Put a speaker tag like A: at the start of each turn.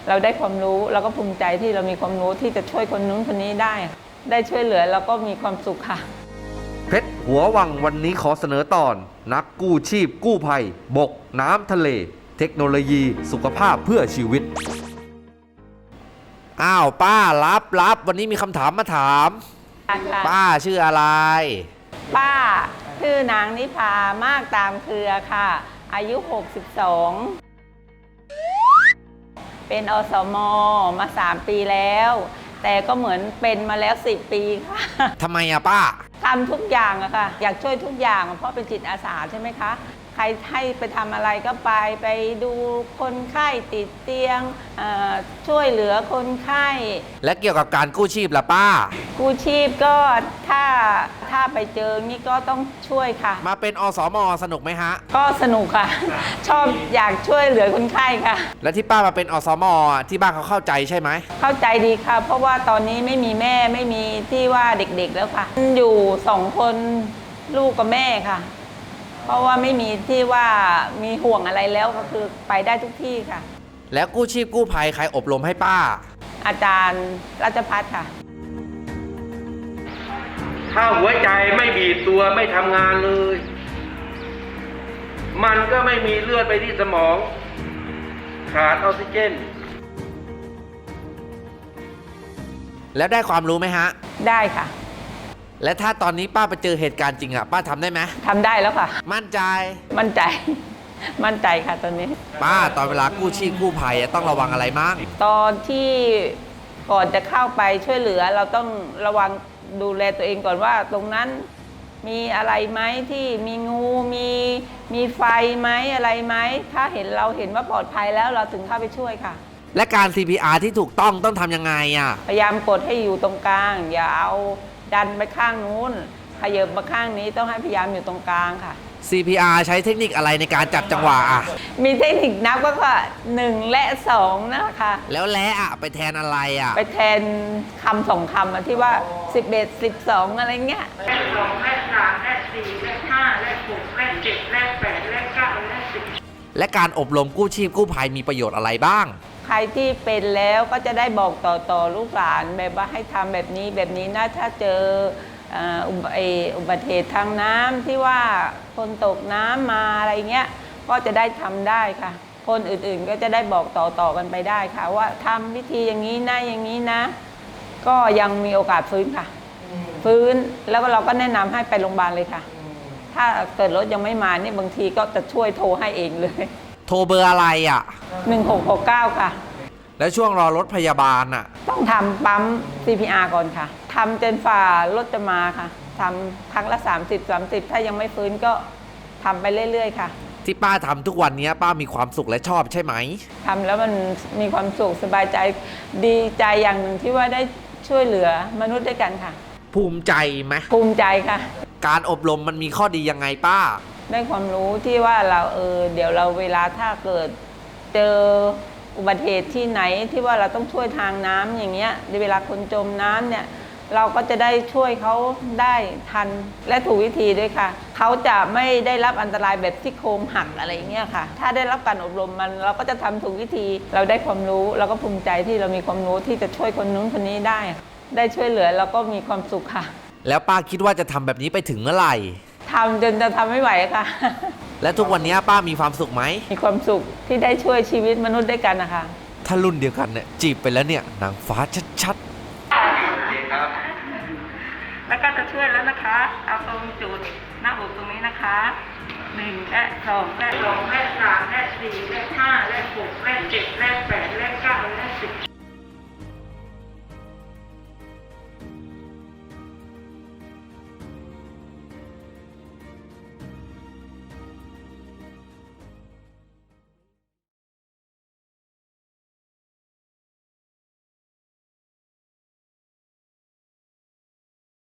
A: เราได้ความรู้เราก็ภูมิใจที่เรามีความรู้ที่จะช่วยคนนู้นคนนี้ได้ช่วยเหลือเราก็มีความสุขค่ะ
B: เพชรหัววังวันนี้ขอเสนอตอนนักกู้ชีพกู้ภัยบกน้ำทะเลเทคโนโลยีสุขภาพเพื่อชีวิตอ้าวป้ารับวันนี้มีคำถามมาถามป้าชื่ออะไร
A: ป้าชื่อนางนิพามากตามเครือค่ะอายุ62เป็นอสมมา3 ปีแล้วแต่ก็เหมือนเป็นมาแล้ว10 ปีค่ะ
B: ทำไมอะป้า
A: ทำทุกอย่างอะค่ะอยากช่วยทุกอย่างเพราะเป็นจิตอาสาใช่ไหมคะใครให้ไปทำอะไรก็ไปดูคนไข้ติดเตียงช่วยเหลือคนไข้
B: และเกี่ยวกับการกู้ชีพล่ะป้า
A: กู้ชีพก็ถ้าไปเจอนี่ก็ต้องช่วยค่ะ
B: มาเป็นอสม.สนุกไหมฮะ
A: ก็สนุกค่ะชอบอยากช่วยเหลือคนไข้ค่ะ
B: และที่ป้ามาเป็นอสม.ที่บ้านเขาเข้าใจใช่ไหม
A: เข้าใจดีค่ะเพราะว่าตอนนี้ไม่มีแม่ไม่มีที่ว่าเด็กๆแล้วค่ะอยู่2 คนลูกกับแม่ค่ะเพราะว่าไม่มีที่ว่ามีห่วงอะไรแล้วก็คือไปได้ทุกที่ค่ะ
B: แล้วกู้ชีพกู้ภัยใครอบรมให้ป้า
A: อาจารย์รัชพัฒน์ค่ะ
C: ถ้าหัวใจไม่บีบตัวไม่ทำงานเลย มันก็ไม่มีเลือดไปที่สมองขาดออกซิเจน
B: แล้วได้ความรู้ไหมฮะ
A: ได้ค่ะ
B: และถ้าตอนนี้ป้าไปเจอเหตุการณ์จริงอะป้าทำได้ไหม
A: ทำได้แล้วค่ะ
B: มั่นใจ
A: มั่นใจค่ะตอนนี้
B: ป้าตอนเวลากู้ชีพกู้ภัยต้องระวังอะไรมั่ง
A: ตอนที่ก่อนจะเข้าไปช่วยเหลือเราต้องระวังดูแลตัวเองก่อนว่าตรงนั้นมีอะไรไหมที่มีงูมีไฟไหมอะไรไหมถ้าเราเห็นว่าปลอดภัยแล้วเราถึงเข้าไปช่วยค่ะ
B: และการ CPR ที่ถูกต้องทำยังไงอะ
A: พยายามกดให้อยู่ตรงกลางอย่าเอาดันไปข้างนู้นขยับมาข้างนี้ต้องให้พยายามอยู่ตรงกลางค่ะ
B: CPR ใช้เทคนิคอะไรในการจับจังหวะอะ
A: มีเทคนิคนับก็ค่ะ1 และ 2นะคะ
B: แล้วและไปแทนอะไรอะ
A: ไปแทนคำ2 คำที่ว่า11 12อะไรเงี้ย
D: และ2และ3และ4และ5และ6และ7และ8และ9และ10
B: และการอบรมกู้ชีพกู้ภัยมีประโยชน์อะไรบ้าง
A: ใครที่เป็นแล้วก็จะได้บอกต่อลูกหลานแบบว่าให้ทำแบบนี้นะถ้าเจออุบัติเหตุทางน้ำที่ว่าคนตกน้ำมาอะไรเงี้ยก็จะได้ทำได้ค่ะคนอื่นๆก็จะได้บอกต่อกันไปได้ค่ะว่าทำวิธีอย่างนี้นะอย่างนี้นะก็ยังมีโอกาสฟื้นค่ะฟื้นแล้วก็เราก็แนะนำให้ไปโรงพยาบาลเลยค่ะถ้าเกิดรถยังไม่มานี่บางทีก็จะช่วยโทรให้เองเลย
B: โทรเบอร์อะไรอ่ะ
A: 1669ค่ะ
B: แล้วช่วงรอรถพยาบาลอ่ะ
A: ต้องทำปั๊ม CPR ก่อนค่ะทำจนฝ่ารถจะมาค่ะทำครั้งละ30 ถ้ายังไม่ฟื้นก็ทำไปเรื่อยๆค่ะ
B: ที่ป้าทำทุกวันนี้ป้ามีความสุขและชอบใช่ไหม
A: ทำแล้วมันมีความสุขสบายใจดีใจอย่างหนึ่งที่ว่าได้ช่วยเหลือมนุษย์ด้วยกันค่ะ
B: ภูมิใจไหม
A: ภูมิใจค่ะ
B: การอบรมมันมีข้อดียังไงป้า
A: ได้ความรู้ที่ว่าเราเดี๋ยวเราเวลาถ้าเกิดเจออุบัติเหตุที่ไหนที่ว่าเราต้องช่วยทางน้ำอย่างเงี้ยในเวลาคนจมน้ำเนี่ยเราก็จะได้ช่วยเขาได้ทันและถูกวิธีด้วยค่ะเขาจะไม่ได้รับอันตรายแบบที่โครงหักอะไรเงี้ยค่ะถ้าได้รับการอบรมเราก็จะทำถูกวิธีเราได้ความรู้เราก็ภูมิใจที่เรามีความรู้ที่จะช่วยคนนู้นคนนี้ได้ช่วยเหลือเราก็มีความสุขค่ะ
B: แล้วป้าคิดว่าจะทำแบบนี้ไปถึงเมื่อไหร่
A: ทำจนจะทำไม่ไหวค่ะ
B: และทุกวันนี้ป้ามีความสุขไหม
A: มีความสุขที่ได้ช่วยชีวิตมนุษย์ด้วยกันนะคะ
B: ถ้ารุ่นเดียวกันเนี่ยจีบไปแล้วเนี่ยนางฟ้าชัด
D: แล้วก็จะช่วยแล้วนะคะเอาตรงจุดหน้าอกตรงนี้นะคะ1และ2และ3และ4และ5และ6และ7และ8และ9และ10